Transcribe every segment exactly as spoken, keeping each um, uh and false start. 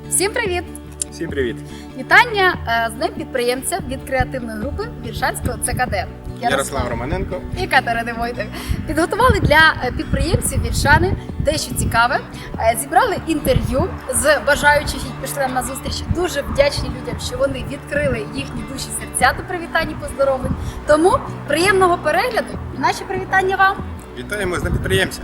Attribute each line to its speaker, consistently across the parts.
Speaker 1: Всім привіт!
Speaker 2: Всім привіт!
Speaker 1: Вітання з Днем підприємця від креативної групи Вільшанського Це Ка Де.
Speaker 2: Ярослав Романенко
Speaker 1: і Катерина Войтик. Підготували для підприємців Вільшани дещо цікаве. Зібрали інтерв'ю з бажаючих, які пішли нам на зустріч. Дуже вдячні людям, що вони відкрили їхні душі серця до привітань і поздоровлень. Тому приємного перегляду і наші привітання вам!
Speaker 2: Вітаємо з Днем підприємця!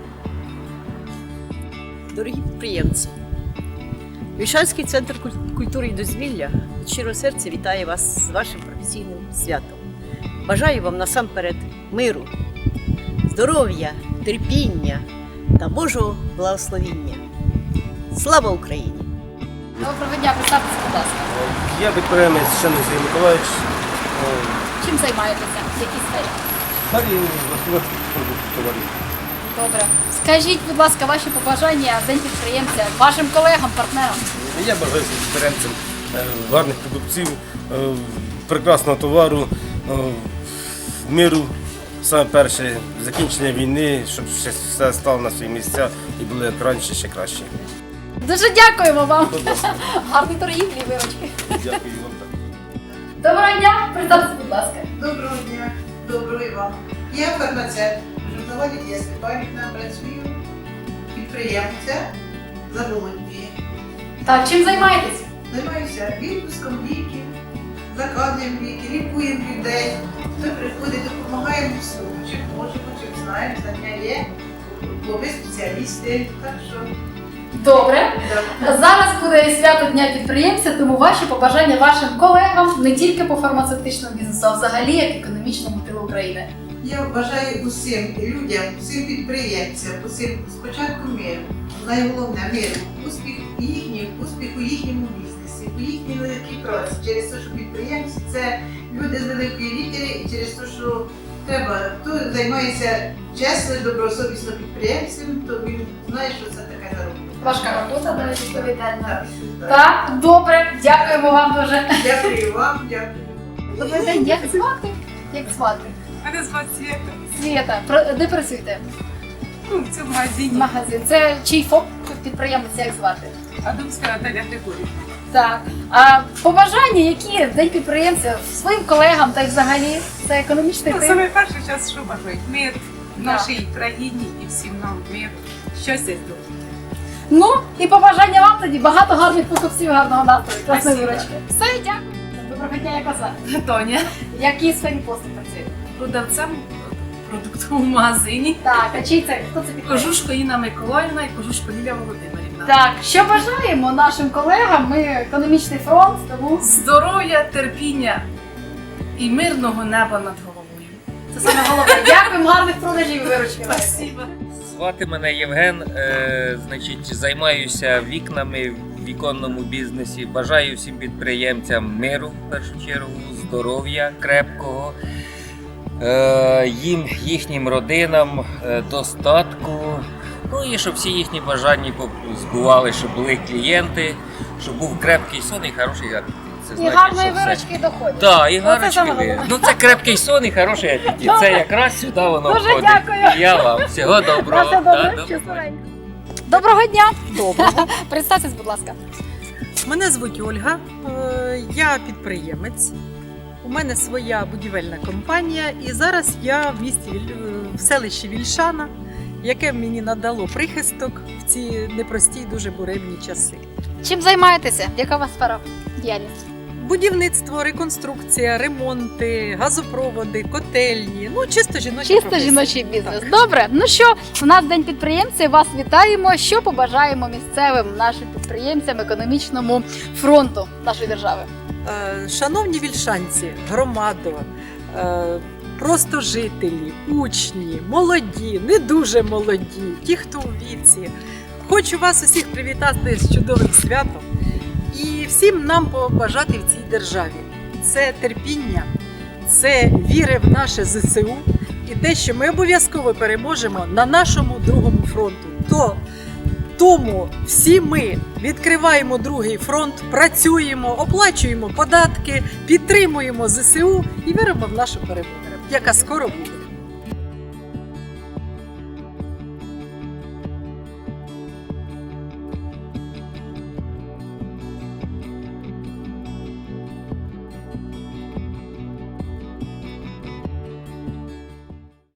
Speaker 3: Дорогі підприємці! Вільшанський центр культури і дозвілля від щирого серця вітає вас з вашим професійним святом. Бажаю вам насамперед миру, здоров'я, терпіння та Божого благословіння. Слава Україні!
Speaker 1: Доброго дня, представтеся, будь ласка.
Speaker 4: Я підприємець Щаний Сергій Миколаївич.
Speaker 1: Чим займаєтеся? В якій сфері?
Speaker 4: Далі господарських продуктів товарів.
Speaker 1: Добре. Скажіть, будь ласка, ваші побажання в День підприємця вашим колегам, партнерам.
Speaker 4: Я бажаю всім підприємцям е, гарних продуктів, е, прекрасного товару, е, миру, саме перше, закінчення війни, щоб ще все стало на свої місця і було як раніше, ще краще.
Speaker 1: Дуже дякуємо вам.
Speaker 4: Будь ласка.
Speaker 1: Гарної торгівлі і виручки.
Speaker 4: Дякую вам так.
Speaker 1: Доброго дня, представтеся, будь ласка.
Speaker 5: Доброго дня, доброго і вам. Я фармацевт, журнала Лідія Степанівна, працюю підприємця Заболотні.
Speaker 1: Так, чим займаєтесь?
Speaker 5: Займаюся відпуском ліків, заказуємо ліки, лікуємо людей. Хто приходить, допомагаємо всьому, чим можемо, чим знаємо, знання є, ви спеціалісти, так що...
Speaker 1: Добре.
Speaker 5: Да.
Speaker 1: Зараз буде свято Дня підприємця, тому ваші побажання вашим колегам не тільки по фармацевтичному бізнесу, а взагалі як економічному тилу України.
Speaker 5: Я бажаю усім людям, усім підприємцям, усім спочатку миру, найголовне миру, успіх їхній, успіх у їхньому бізнесі, у їхній великій праці. Через те, що підприємці це люди з великої літери, і через те, що треба, хто займається чесно, добросовісно підприємцем, то він знає, що це таке заробляє.
Speaker 1: Важка робота, навіть відповідальна.
Speaker 5: Так, так.
Speaker 1: Так, добре, дякуємо вам дуже.
Speaker 5: Дякую вам, дякую.
Speaker 1: Добрий день, як звати? Як звати?
Speaker 6: Мене звати Свєта.
Speaker 1: Свєта, Про- де працюєте?
Speaker 6: Ну, в цьому магазині.
Speaker 1: Магазин. Це чий ФОП підприємець, як звати?
Speaker 6: Адамська Наталя Григорівна.
Speaker 1: Так. А побажання, які в День підприємця своїм колегам та й взагалі це економічний
Speaker 6: Ну,
Speaker 1: тил?
Speaker 6: саме перше час, що бажають? Мир в
Speaker 1: Да.
Speaker 6: нашій країні і всім нам мир. Щастя і здоров'я.
Speaker 1: Ну і побажання вам тоді багато гарних покупців, гарного настрою, класної
Speaker 6: Спасибо.
Speaker 1: виручки. Все, дякую. Доброго дня, як вас звати?
Speaker 6: Тоня.
Speaker 1: В якій сфері послуг працюєте?
Speaker 6: Продавцем в продуктовому магазині.
Speaker 1: Так, а чий це? Хто це підприємець?
Speaker 6: Кожушко Інна Миколаївна і Кожушко Лілія Володимирівна.
Speaker 1: Так, що бажаємо нашим колегам? Ми економічний фронт, тому
Speaker 6: Здоров'я, терпіння і мирного неба над головою.
Speaker 1: це саме головне. Дякуємо, гарних продажів і виручки.
Speaker 6: Спасибо.
Speaker 7: Звати мене Євген, е, значить, займаюся вікнами в віконному бізнесі. Бажаю всім підприємцям миру, в першу чергу, здоров'я крепкого, е, їм, їхнім родинам, е, достатку. Ну і щоб всі їхні бажання збували, щоб були клієнти, щоб був крепкий сон і хороший апетит. Це
Speaker 1: І
Speaker 7: значить,
Speaker 1: гарної
Speaker 7: що все.
Speaker 1: виручки і доходів.
Speaker 7: Так, і
Speaker 1: Оце
Speaker 7: гарочки
Speaker 1: саме
Speaker 7: ви.
Speaker 1: головне.
Speaker 7: Ну це крепкий сон і хороший апетит. Це якраз сюди воно
Speaker 1: Дуже
Speaker 7: входить.
Speaker 1: дякую.
Speaker 7: І я вам. Всього доброго.
Speaker 1: На все
Speaker 7: Да,
Speaker 1: добре,
Speaker 7: до
Speaker 1: щасливенько. Доброго дня!
Speaker 3: Доброго.
Speaker 1: Представтесь, будь ласка.
Speaker 8: Мене звуть Ольга, е, я підприємець. У мене своя будівельна компанія, і зараз я в місті Віль- е, в селищі Вільшана, яке мені надало прихисток в ці непрості, дуже буремні часи.
Speaker 1: Чим займаєтеся? Яка у вас сфера діяльності?
Speaker 8: Будівництво, реконструкція, ремонти, газопроводи, котельні. Ну, чисто жіночі
Speaker 1: Чисто
Speaker 8: професії.
Speaker 1: жіночий бізнес.
Speaker 8: Так.
Speaker 1: Добре. Ну що, у нас День підприємця. Вас вітаємо. Що побажаємо місцевим нашим підприємцям економічному фронту нашої держави?
Speaker 8: Е, Шановні вільшанці, громадо, е, просто жителі, учні, молоді, не дуже молоді, ті, хто у віці. Хочу вас усіх привітати з чудовим святом і всім нам побажати в цій державі. Це терпіння, це віри в наше зе се у і те, що ми обов'язково переможемо на нашому другому фронту. То Тому всі ми відкриваємо другий фронт, працюємо, оплачуємо податки, підтримуємо зе се у і віримо в нашу перемогу, яка скоро буде.